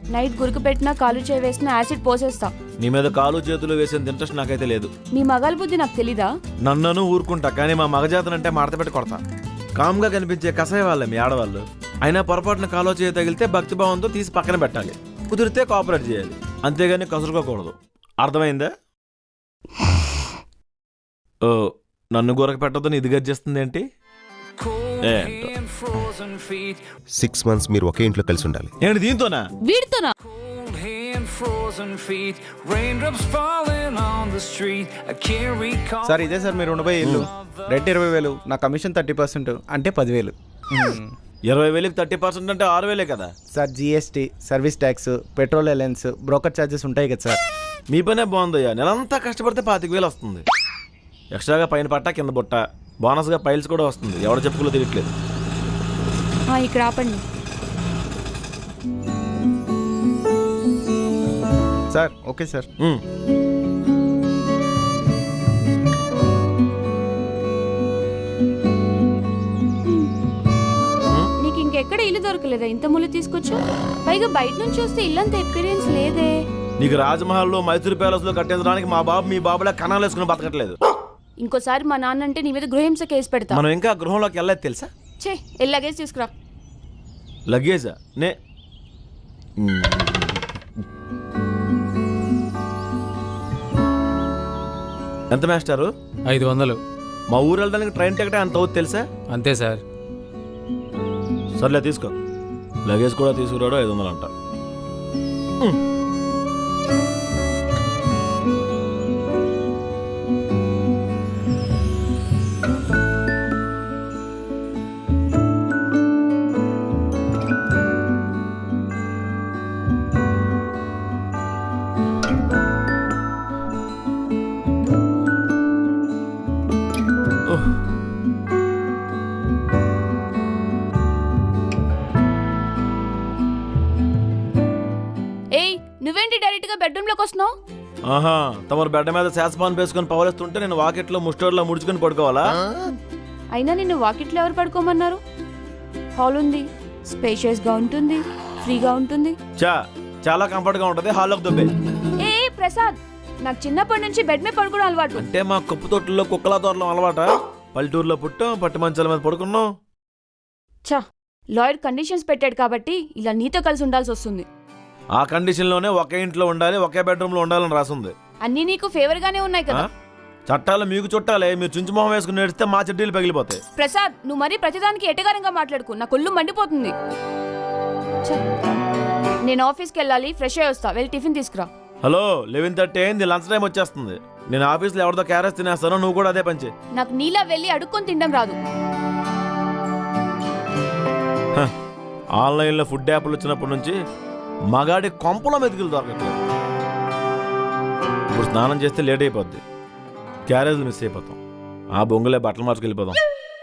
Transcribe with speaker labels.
Speaker 1: Night గురుకు పెట్టినా కాలు చేయి వేసినా యాసిడ్ పోసేస్తా.
Speaker 2: నీ మీద కాలు చేతులు వేసేంత ఇంట్రెస్ట్ నాకైతే లేదు.
Speaker 1: మీ మగాల బుద్ధి నాకు తెలీదా?
Speaker 2: నన్ను ఊరుకుంటా, కానీ మా మగజాతనంటే మడత పెట్టి కొడతా. కామ్గా కనిపించే కసాయ వాళ్ళే మీ ఆడవాళ్ళు. అయినా పొరపాటున కాలో చేయి తగిలితే భక్తిభావంతో తీసి పక్కన పెట్టాలి, కుదిరితే కోఆపరేట్ చేయాలి, అంతేగాని కసురుకోకూడదు. అర్థమైందా? ఓ, నన్ను గొరక పెట్టద్దని ఇది గర్జిస్తుంది ఏంటి?
Speaker 3: 6 months మీరు ఒకే ఇంట్లో కలిసి ఉండాలి.
Speaker 2: ఏంటి దీంతోనా?
Speaker 1: వీడితోనా?
Speaker 4: సార్ ఇదే సార్ మీరు ఉండబోయే ఇల్లు. రెంట్ 20,000, నా కమిషన్ 30%, అంటే 10,000.
Speaker 2: 20,000కి 30% అంటే 6,000 కదా
Speaker 4: sir. GST, service tax, petrol allowance, broker charges ఉంటాయి కదా సార్.
Speaker 2: మీ పనే బాగుందయ్యా. నెలంతా కష్టపడితే 25,000 వస్తుంది. ఎక్స్ట్రాగా పైన పట్ట కింద బుట్ట, బోనస్గా పైల్స్ కూడా వస్తుంది. ఎవరు చెప్పుకోలో తెలియట్లేదు.
Speaker 1: ఇక్కడ ఆపండి
Speaker 4: సార్. Okay sir.
Speaker 1: నీకు ఇంకెక్కడ ఇల్లు దొరకలేదా ఇంత ముళ్ళు తీసుకొచ్చా? పైగా బయట నుంచి వస్తే ఇల్లంత ఎక్స్పీరియన్స్ లేదే.
Speaker 2: నీకు రాజ్మహల్లో, మైసూర్ ప్యాలెస్ లో కట్టించడానికి మా బాబు మీ బాబులా కణాలు వేసుకుని బతకట్లేదు.
Speaker 1: ఇంకోసారి మా నాన్న అంటే నీ మీద గృహహింస కేసు పెడతా.
Speaker 2: మనం ఇంకా గృహంలోకి వెళ్ళలేదు తెలుసా?
Speaker 1: లగేజ్ తీసుకురా.
Speaker 2: లగేజా? ఎంత మాస్టారు?
Speaker 5: 500.
Speaker 2: మా ఊరు వెళ్ళడానికి ట్రైన్ టికెట్ ఎంత అవుతుంది తెలుసా?
Speaker 5: అంతే సార్.
Speaker 2: సర్లే తీసుకో. లగేజ్ కూడా తీసుకురాడు. 500 అంట.
Speaker 1: నువ్వేంటి డైరెక్ట్ గా బెడ్రూమ్ లోకి వస్తున్నావు?
Speaker 2: ఆహా, తమరు బెడ్ మీద శాసపాన్ వేసుకొని పవలేస్తుంటే నేను వాకెట్లో ముస్టోర్లో ముడుచుకొని పడుకోవాలా?
Speaker 1: అయినా నిన్ను వాకిట్లో ఎవరు పడుకోమన్నారు? హాల్ ఉంది, స్పేషియస్ గా ఉంటుంది, ఫ్రీగా ఉంటుంది.
Speaker 2: చాలా కంఫర్ట్ గా ఉంటది. హాల్లోకి దుబ్బే.
Speaker 1: ప్రసాద్, నాకు చిన్నప్పటి నుంచి బెడ్ మీద పడుకోవడం అలవాటు.
Speaker 2: అంటే మా కుప్పు తోటల్లో కుక్కల తోటలో అలవాట. పల్లెటూరులో పుట్టాం, పట్టి మంచాల మీద పడుకున్నాం.
Speaker 1: లాయర్ కండిషన్స్ పెట్టాడు కాబట్టి ఇలా నీతో కలిసి ఉండాల్సి వస్తుంది.
Speaker 2: ఆ కండిషన్ లోనే ఒకే ఇంట్లో ఉండాలి, ఒకే బెడ్రూమ్ లో ఉండాలని రాసుంది.
Speaker 1: అన్ని నీకు ఫేవర్ గానే ఉన్నాయి కదా.
Speaker 2: చట్టాలు మీకు చుట్టాలే. మీరు చుంచు మొహం వేసుకుని నేడిస్తే మా చెడ్డీలు పగిలిపోతాయి.
Speaker 1: ప్రసాద్, నువ్వు మరీ ప్రతిదానికి ఎటగారంగా మాట్లాడుకు. నా కొల్లు మండిపోతుంది. నేను ఆఫీస్కి వెళ్ళాలి, ఫ్రెష్ అయ్యి వస్తా. వెళ్ళి టిఫిన్ తీసుకురా.
Speaker 2: హలో, 11:30 అయింది. లంచ్ టైం వచ్చేస్తుంది. నేను ఆఫీస్లో ఎవరితో క్యారెస్ తినేస్తానో నువ్వు కూడా అదే పంచే.
Speaker 1: నాకు నీలా వెళ్ళి అడుక్కొని తినడం రాదు.
Speaker 2: ఆన్లైన్లో ఫుడ్ యాప్లు వచ్చినప్పటి నుంచి మగాడి కొంపలో మెతుకులు దొరకట్లేదు. ఇప్పుడు స్నానం చేస్తే లేట్ అయిపోద్ది, క్యారేజ్లు మిస్ అయిపోతాం. ఆ బొంగులే బట్టలు మార్చుకెళ్ళిపోదాం.